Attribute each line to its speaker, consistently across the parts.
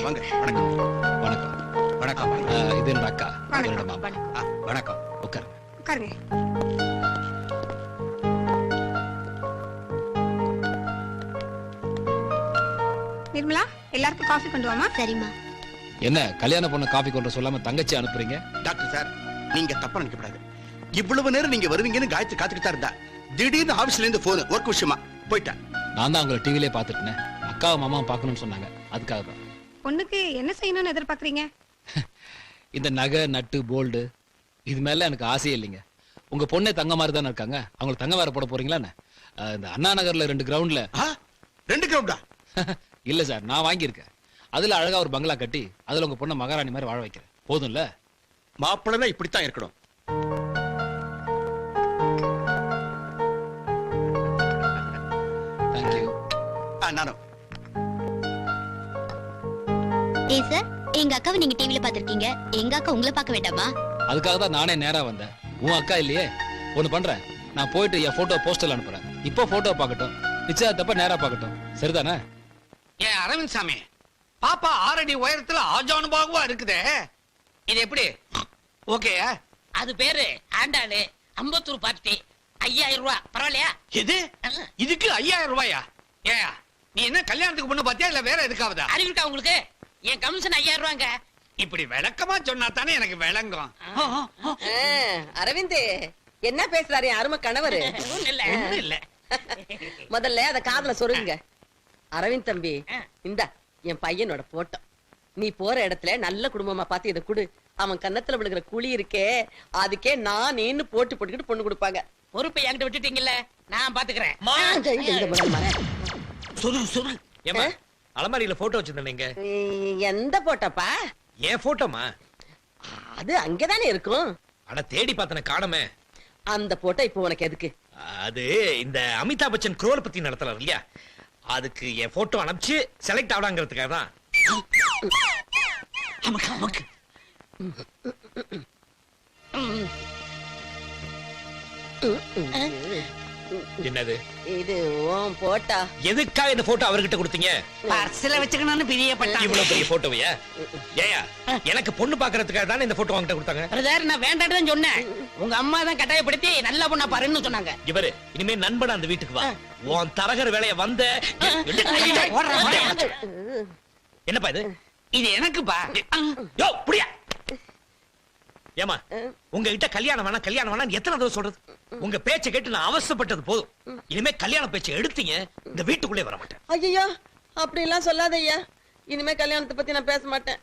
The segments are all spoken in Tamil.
Speaker 1: வாங்க. வணக்கம்.
Speaker 2: வணக்கம். வணக்கம். இது என்னோட அக்கா, என்னோட மாமா. வணக்கம். உட்காருங்க.
Speaker 3: உட்காருங்க. நிர்மலா, எல்லாருக்கும் காஃபி கொண்டு வாமா.
Speaker 4: சரிம்மா.
Speaker 2: என்ன கல்யாண பொண்ணு காஃபி கொண்டு சொல்லாம தங்கச்சி அனுப்புறீங்க?
Speaker 1: டாக்டர் சார், நீங்க தப்பா நினைக்கப்படாது. இவ்வளவு நேரம் நீங்க வருவீங்கன்னு காயத்ரி காத்துக்கிட்டா இருந்தா, திடீர்னு ஆபீஸ்ல இருந்து போன் ஒர்க் விஷயமா போயிட்டேன்.
Speaker 2: நான் தான் உங்களை டிவிலே பார்த்துட்டேன். அக்காவும் மாமாவும் பார்க்கணும்னு சொன்னாங்க, அதுக்காக தான்.
Speaker 3: பொண்ணுக்கு என்ன செய்யணும்னு எதிர்பார்க்கறீங்க?
Speaker 2: இந்த நகை நட்டு போல்டு இது மேல எனக்கு ஆசையே இல்லைங்க. உங்க பொண்ணே தங்க மாதிரி தானே இருக்காங்க, அவங்களுக்கு தங்க வேற போட போறீங்களா? இந்த அண்ணா நகர்ல 2 கிரவுண்ட்ல
Speaker 1: 2 கிரவுண்டா?
Speaker 2: இல்ல சார், நான் வாங்கியிருக்கேன். அதுல அழகா ஒரு பங்களா கட்டி அதுல உங்க பொண்ணை மகாராணி மாதிரி வாழ வைக்கிறேன். போதும்ல?
Speaker 1: மாப்பிள்ளை இப்படித்தான் இருக்கணும்.
Speaker 2: தேங்க்யூ.
Speaker 1: நானும்.
Speaker 4: ஏ சார், எங்க அக்காவை நீங்க டிவில பாத்திருக்கீங்க, எங்க அக்கா உங்களை பார்க்க வேண்டாமா?
Speaker 2: அதுக்காக தான் நானே நேரா வந்தேன். உன் அக்கா இல்லையே, ஒண்ணு பண்றேன், நான் போயிட்டு என் போட்டோ போஸ்டல் அனுப்புறேன். இப்போ போட்டோ பார்க்கட்டும், நிச்சயத்தப்ப நேரா பார்க்கட்டும். சரிதானே?
Speaker 5: ஏன் அரவிந்த் சாமி, பாப்பா 6 அடி உயரத்துல ஆஜானுபாகுவா இருக்குதே, இது எப்படி ஓகே?
Speaker 6: அது பேரு ஆண்டாளு, அம்பத்தூர் பார்ட்டி, 5000 ரூபாய். பரவாயில்லையா?
Speaker 5: இது இதுக்கு 5000 ரூபாயா? ஏன் நீ என்ன கல்யாணத்துக்கு பொண்ணு பாத்தியா இல்ல வேற எதுக்காவதா?
Speaker 6: அறிவிக்கா உங்களுக்கு? என் கமிஷன் 5000 ரூபாங்க.
Speaker 5: இப்படி விளக்கமா சொன்னா தானே எனக்கு விளங்கும்.
Speaker 7: அரவிந்த் என்ன பேசுறாரு என் அருமை கணவரு?
Speaker 6: ஒண்ணும் இல்ல.
Speaker 7: முதல்ல அத காதுல சொருங்க. அரவிந்த் தம்பி, இந்த என் பையனோட போட்டோ. நீ போற இடத்துல நல்ல குடும்பமா பார்த்து இதை குடு. அவன் கன்னத்துல விழுகிற குழி இருக்கே, அதுக்கே நான் நீன்னு போட்டுக்கிட்டு பொண்ணு கொடுப்பாங்க.
Speaker 6: பொறுப்பை என்கிட்ட விட்டுட்டீங்கல்ல, நான் பாத்துக்கிறேன்.
Speaker 8: அலமாரியில போட்டோ வச்சிருந்தீங்க.
Speaker 7: எந்த போட்டோப்பா?
Speaker 8: ஏன் போட்டோமா?
Speaker 7: அது அங்கதானே இருக்கும்.
Speaker 8: அட தேடி பார்த்தன காணமே.
Speaker 7: அந்த போட்டோ இப்போ உனக்கு எதுக்கு?
Speaker 8: அது இந்த அமிதாப் பச்சன் குரோல் பத்தி நடத்தலாம் இல்லையா, அதுக்கு என் போட்டோ அனுப்பிச்சு செலக்ட் ஆகலாங்கிறதுக்காக தான். என்னது
Speaker 7: இது? உன் போட்டா?
Speaker 8: எதுக்காக இந்த போட்டோ அவர்கிட்ட கொடுத்தீங்க?
Speaker 6: பர்ஸ்ல வச்சுக்கணும்னு பிரியப்பட்டான்.
Speaker 8: இவ்வளவு பெரிய போட்டோவையா? ஏயா, எனக்கு பொண்ணு பாக்குறதுக்காக தானே இந்த போட்டோ வாங்கிட்ட கொடுத்தாங்க.
Speaker 6: பிரதர், நான் வேண்டாம்னு தான் சொன்னேன். உங்க அம்மா தான் கட்டாயப்படுத்தி நல்ல பொண்ணா பாருன்னு சொன்னாங்க.
Speaker 8: இவரு இனிமே நண்பன் அந்த வீட்டுக்கு வா. உன் தரகர் வேலைய வந்த. என்னப்பா இது?
Speaker 5: இது எனக்குப்பா.
Speaker 8: யோ புடியா. ஏமா, உங்ககிட்ட கல்யாணம் வேணாம் எத்தனை தடவை சொல்றது? உங்க பேச்சை கேட்டு நான் அவசரப்பட்டது போதும். இனிமே கல்யாண பேச்சை எடுத்தீங்க, இந்த வீட்டுக்குள்ளே வர மாட்டேன்.
Speaker 7: ஐயோ, அப்படி எல்லாம் சொல்லாத ஐயா. இனிமே கல்யாணத்தை பத்தி நான் பேச மாட்டேன்.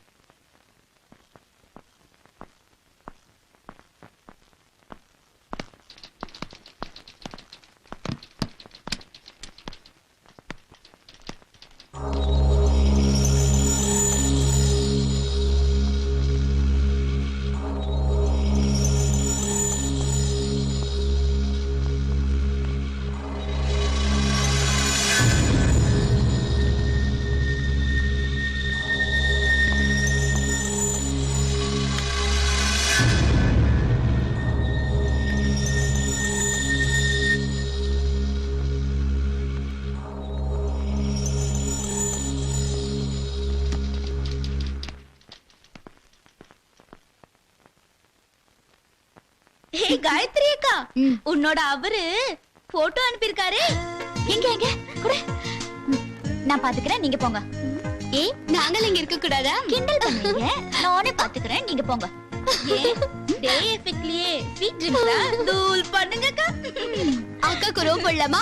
Speaker 4: காயத்ரி அக்கா, உன்னோட அவரு போட்டோ அனுப்பியிருக்காரு. எங்க எங்க குடு, நான் பாத்துக்கிறேன், நீங்க போங்க. ஏய், நாங்கள் இங்க இருக்க கூடாதா? கிண்டல் பண்ணீங்க, நானே பாத்துக்கிறேன், நீங்க போங்க. டே எஃபெக்ட்லயே ஸ்வீட் ட்ரிங்க்ஸா தூள் பண்ணுங்க அக்கா. அக்காக்கு ரோப் போடலாமா?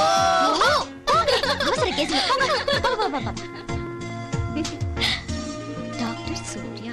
Speaker 4: அவசர கேஸ்ல போங்க. டாக்டர் சூர்யா.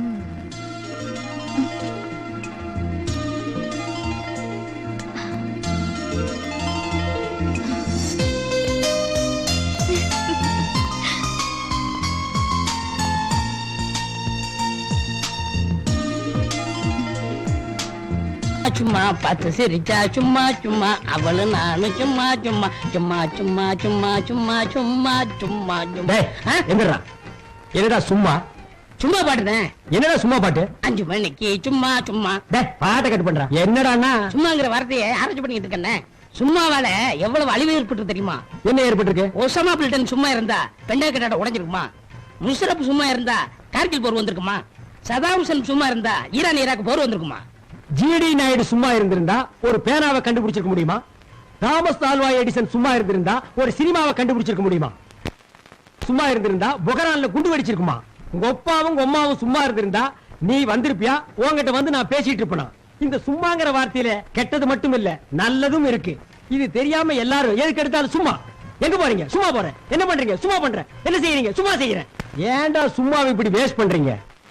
Speaker 6: சும்மா பார்த்து சிரிச்சா சும்மா சும்மா, அவளு நானு சும்மா சும்மா சும்மா சும்மா சும்மா சும்மா சும்மா சும்மா சும்மா.
Speaker 9: என்னடா சும்மா
Speaker 6: சும்மா பாடுறேன்.
Speaker 9: என்னடா சும்மா பாட்டு?
Speaker 6: 5 மணிக்கு சும்மா சும்மா.
Speaker 9: பாட்டை கட்டு பண்றா. என்னடானா
Speaker 6: சும்மாங்கிற வார்த்தையை ஆராய்ச்சி பண்ணிட்டு இருக்கேன். சும்மாவால எவ்வளவு அழிவு ஏற்பட்டு தெரியுமா?
Speaker 9: என்ன ஏற்பட்டிருக்கு?
Speaker 6: ஒசாமா பில்டன் சும்மா இருந்தா பெண்டா கட்டாட உடைஞ்சிருக்குமா? முஷரப் சும்மா இருந்தா கார்கில் போர் வந்திருக்குமா? சதாம் ஹுசேன் சும்மா இருந்தா ஈரான் ஈராக் போர் வந்திருக்குமா?
Speaker 9: ஜிடி நாயுடு சும்மா இருந்திருந்தா ஒரு பேனாவை கண்டுபிடிச்சிருக்க முடியுமா? தாமஸ் ஆல்வா எடிசன் சும்மா இருந்திருந்தா ஒரு சினிமாவை கண்டுபிடிச்சிருக்க முடியுமா? சும்மா இருந்திருந்தா பொகரான்ல குண்டு வெடிச்சிருக்குமா? உங்க அப்பாவும் உங்க அம்மாவும் சும்மா இருந்திருந்தா நீ வந்திருப்பியா? உன்கிட்ட வந்து நான் பேசிட்டு இருப்பேனா? இந்த சும்மாங்கிற வார்த்தையில கெட்டது மட்டும் இல்ல, நல்லதும் இருக்கு. இது தெரியாம எல்லாரும் எதுக்கு எடுத்தாலும் சும்மா. எங்க போறீங்க? சும்மா போறேன். என்ன பண்றீங்க? சும்மா பண்றேன். என்ன செய்யறீங்க? சும்மா செய்யறேன். ஏன்டா சும்மாவை இப்படி வேஸ்ட் பண்றீங்க?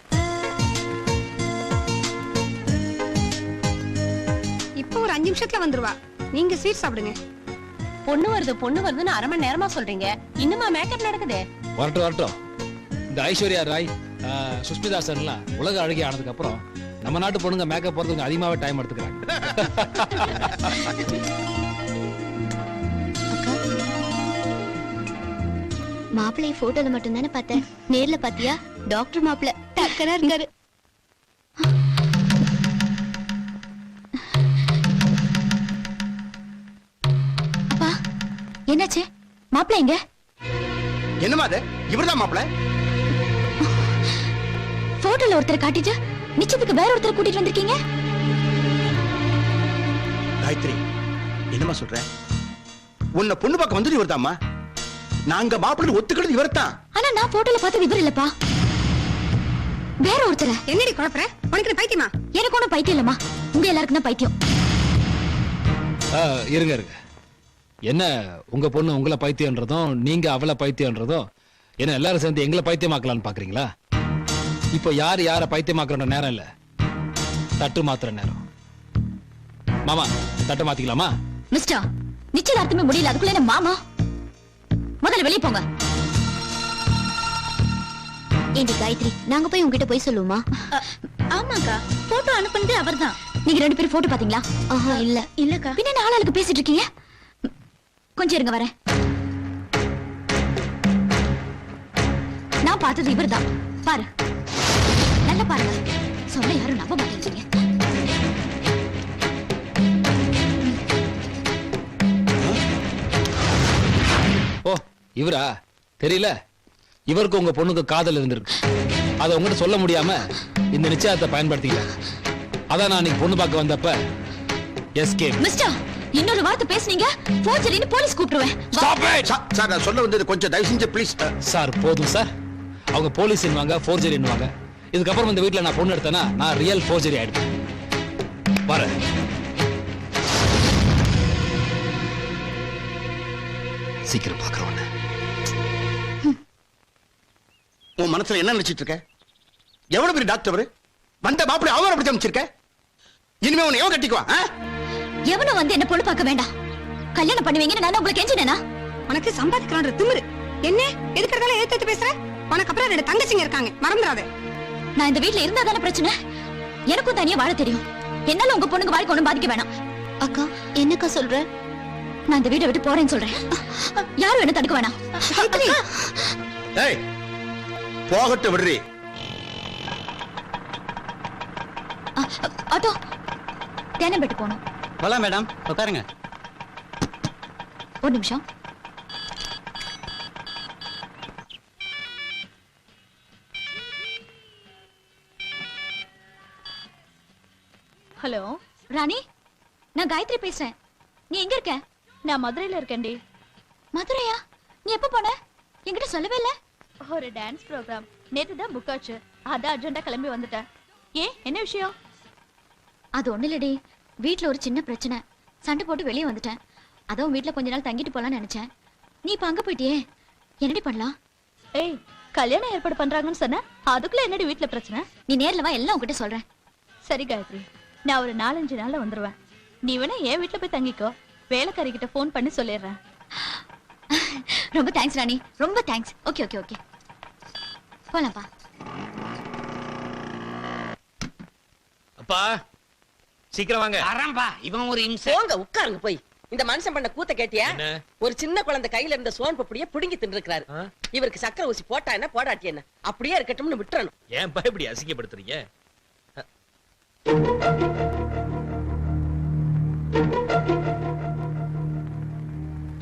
Speaker 3: இப்போ ஒரு 5 நிமிஷத்துல வந்துருவா. நீங்க ஸ்வீட் சாப்பிடுங்க.
Speaker 7: பொண்ணு வருதுன்னு அரை மணி நேரமா சொல்றீங்க. இன்னுமா மேக்கப் நடக்குது?
Speaker 2: வரட்டும் வரட்டும். இந்த ஐஸ்வர்யா ராய் சுஷ்மிதா சென்லாம் உலக அழகி ஆனதுக்கு அப்புறம் நம்ம நாட்டு பொண்ணுங்க மேக்கப் போறதுக்கு அதிகமாவே டைம் எடுத்துக்கிறாங்க.
Speaker 4: மாப்பிள்ளை போட்டோல மட்டும் தானே பார்த்தேன், நேர்ல பாத்தியா? டாக்டர் மாப்பிள்ளை டக்கரா இருக்காரு. அப்பா என்னாச்சு? மாப்பிள்ளை எங்க?
Speaker 1: என்னமா அது? இவர்தான் மாப்பிள்ள.
Speaker 4: போட்டோல ஒருத்தர் காட்டிட்டு நிச்சயத்துக்கு வேற ஒருத்தர் கூட்டிட்டு வந்திருக்கீங்க.
Speaker 1: காயத்ரி, என்னமா சொல்ற? உன்னை பொண்ணு பார்க்க வந்தது இவர்தாம்மா. நாங்க மாப்பிள்ளை ஒத்துக்கிறது இவர்தான்.
Speaker 4: ஆனா நான் போட்டோல பார்த்தது இவர் இல்லப்பா, வேற ஒருத்தர்.
Speaker 3: என்னடி குழப்பற? உனக்கு பைத்தியமா?
Speaker 4: எனக்கு ஒண்ணும் பைத்தியம் இல்லம்மா, உங்க எல்லாருக்கும் தான் பைத்தியம்.
Speaker 2: இருங்க இருங்க. என்ன உங்க பொண்ணு உங்களை பைத்தியன்றதும் நீங்க அவளை பைத்தியன்றதும் என்ன எல்லாரும் சேர்ந்து எங்களை பைத்தியமாக்கலாம்னு பாக்குறீங்களா? இப்போ யார பைத்தியமாக்குற நேரம் இல்ல, தட்டு மாத்துற நேரம். மாமா தட்டு மாத்திக்கலாமா?
Speaker 4: மிஸ்டர், நிச்சயதார்த்தமே முடியல, அதுக்குள்ள என்ன மாமா? முதல்ல வெளியே போங்க. ஏண்டி காயத்ரி, நாங்க போய் உங்ககிட்ட போய் சொல்லுவோமா? ஆமாக்கா, போட்டோ அனுப்புனதே அவர்தான். நீங்க 2 பேரும் போட்டோ பாத்தீங்களா? ஆஹா இல்ல. இல்லக்கா. பின்ன என்ன ஆளாளுக்கு பேசிட்டு இருக்கீங்க? கொஞ்சம் இருங்க வரேன். நான் பார்த்தது இவர்தான். பாரு, நல்லா பாருங்க. சொல்ல யாரும் நம்ப மாட்டேங்கிறீங்க.
Speaker 2: ஓ இவரா? தெரியல. இவருக்கு உங்க பொண்ணுக்கு காதல் இருந்திருக்கு. அதை உங்ககிட்ட சொல்ல முடியாம இந்த நிச்சயத்தை பயன்படுத்திக்கிட்டாங்க. அதான் நான் இன்னைக்கு பொண்ணு பார்க்க வந்தப்ப எஸ்கேப்.
Speaker 4: மிஸ்டர், இன்னொரு வார்த்தை பேசுனீங்க போர்ஜரின்னு போலீஸ் கூப்பிடுவேன்.
Speaker 1: சார், நான் சொல்ல வந்தது கொஞ்சம் தயவு செஞ்சு ப்ளீஸ்.
Speaker 2: சார் போதும் சார். அவங்க போலீஸ் என்னவாங்க, ஃபோர்ஜரி என்னவாங்க. இதுக்கப்புறம் இந்த வீட்டுல நான் பொண்ணு எடுத்தேன்னா நான் ரியல் ஃபோர்ஜரி ஆயிடுவேன். வரேன். சீக்கிரம் பாக்குறவன.
Speaker 1: உன் மனசுல என்ன நினைச்சிட்டு இருக்க? எவ்வளவு பெரிய டாக்டர் அவரு? வந்த மாப்பிள்ளை அவன் அப்படி அமைச்சிருக்க. இனிமே உன்னை எவன் கட்டிக்குவா?
Speaker 4: எவனும் வந்து என்ன பொண்ணு பார்க்க வேண்டாம். கல்யாணம் பண்ணுவீங்கன்னு நான் உங்களுக்கு கெஞ்சினேனா?
Speaker 3: உனக்கு சம்பாதிக்கலான்ற திமிரு என்ன? எதுக்கறதால ஏத்து பேசுற? உனக்கு அப்புறம் 2 தங்கச்சிங்க இருக்காங்க, மறந்துடாத.
Speaker 4: நான் இந்த வீட்ல இருந்தா தானே பிரச்சனை. எனக்கும் தனியா வாழ தெரியும். என்னால உங்க பொண்ணுங்க வாழ்க்கை ஒண்ணும் பாதிக்க வேணாம். அக்கா என்னக்கா சொல்ற? நான் இந்த வீட்டை விட்டு போறேன்னு சொல்றேன். யாரும் என்ன தடுக்க வேணாம்.
Speaker 1: ஏய், போகட்டும் விடுறி.
Speaker 4: ஆட்டோ தேனம்பேட்டு போகணும்.
Speaker 9: போலாம் மேடம், உட்காருங்க.
Speaker 4: ஒரு நிமிஷம். ஹலோ ராணி, நான் காயத்ரி பேசுறேன். நீ எங்க இருக்க? நான் மதுரையில இருக்கேன்டி. மதுரையா? நீ எப்ப போன? என்கிட்ட சொல்லவே இல்ல. ஒரு டான்ஸ் ப்ரோக்ராம் நேத்து தான் புக் ஆச்சு, அதான் அர்ஜென்ட்டா கிளம்பி வந்துட்டேன். ஏன், என்ன விஷயம்? அது ஒண்ணு இல்லடி, வீட்ல ஒரு சின்ன பிரச்சனை, சண்டை போட்டு வெளியே வந்துட்டேன். அதான் வீட்ல கொஞ்ச நாள் தங்கிட்டு போலாம்னு நினைச்சேன். நீ இப்ப அங்க போயிட்டியே, என்னடி பண்ணலாம்? ஏய், கல்யாணம் ஏற்பாடு பண்றாங்கன்னு சொன்ன, அதுக்குள்ள என்னடி வீட்ல பிரச்சனை? நீ நேர்ல வா, எல்லாம் உன்கிட்ட சொல்றேன். சரி காயத்ரி, நான் ஒரு 4-5 நாள்ல வந்துருவேன். நீ வேணா என் வீட்ல போய் தங்கிக்கோ, வேலைக்காரி கிட்ட போன் பண்ணி சொல்லிடுறேன். ரொம்ப தேங்க்ஸ் ராணி, ரொம்ப தேங்க்ஸ். ஓகே ஓகே ஓகே, போலாம்ப்பா.
Speaker 8: அப்பா சீக்கிரம் வாங்க.
Speaker 5: வரம்பா, இவன் ஒரு இம்சை.
Speaker 7: போங்க உட்காருங்க போய். இந்த மனுஷன் பண்ண கூத்த கேட்டியா?
Speaker 8: என்ன?
Speaker 7: ஒரு சின்ன குழந்தை கையில இருந்த சோன் பப்படியை புடுங்கி தின்னுருக்காரு. இவருக்கு சக்கரை ஊசி போட்டா என்ன போடாட்டி என்ன, அப்படியே இருக்கட்டும்னு விட்டுறணும்.
Speaker 8: ஏன் பா இப்படி அசிங்கப்படுத்துறீங்க?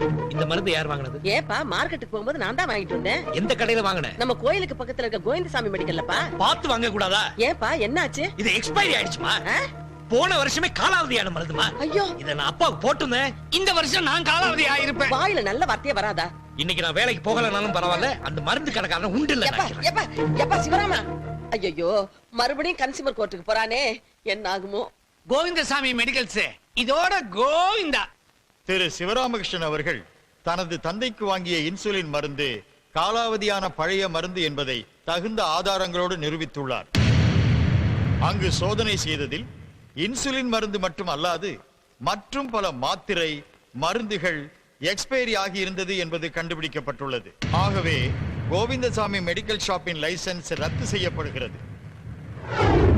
Speaker 8: இந்த மருந்து யார் வாங்குனது?
Speaker 7: ஏப்பா மார்க்கெட்டுக்கு போகும்போது நான் தான் வாங்கிட்டு வந்தேன்.
Speaker 8: எந்த கடையில வாங்குன?
Speaker 7: நம்ம கோயிலுக்கு பக்கத்துல இருக்க கோவிந்தசாமி மெடிக்கல்லப்பா.
Speaker 8: பார்த்து வாங்க கூடாதா?
Speaker 7: ஏப்பா என்னாச்சு?
Speaker 8: இது எக்ஸ்பைரி ஆயிடுச்சுமா.
Speaker 7: ஆ?
Speaker 8: போன வருஷமே காலாவதியான மருந்துமா.
Speaker 7: ஐயோ,
Speaker 8: இத நான் அப்பாவுக்கு போட்டுனேன்.
Speaker 5: இந்த வருஷம் நான் காலாவதி ஆயிருப்பேன்.
Speaker 7: வாயில நல்ல வார்த்தையே வராதா?
Speaker 8: இன்னைக்கு நான் வேலைக்கு போகலனாலும் பரவாயில்ல, அந்த மருந்து கடைக்காரன் உண்டு இல்ல.
Speaker 7: எப்பா எப்பா எப்பா சிவராமா, ஐயோ மறுபடியும் கன்சியூமர் கோர்ட்டுக்கு போறானே, என்ன ஆகுமோ?
Speaker 5: கோவிந்தசாமி மெடிக்கல்ஸ் இதோட கோவிந்தா.
Speaker 10: திரு சிவராமகிருஷ்ணன் அவர்கள் தனது தந்தைக்கு வாங்கிய இன்சுலின் மருந்து காலாவதியான பழைய மருந்து என்பதை தகுந்த ஆதாரங்களோடு நிரூபித்துள்ளார். அங்கு சோதனை செய்ததில் இன்சுலின் மருந்து மட்டும் அல்லாது மற்றும் பல மாத்திரை மருந்துகள் எக்ஸ்பைரி ஆகி இருந்தது என்பது கண்டுபிடிக்கப்பட்டுள்ளது. ஆகவே கோவிந்தசாமி மெடிக்கல் ஷாப்பின் லைசன்ஸ் ரத்து செய்யப்படுகிறது.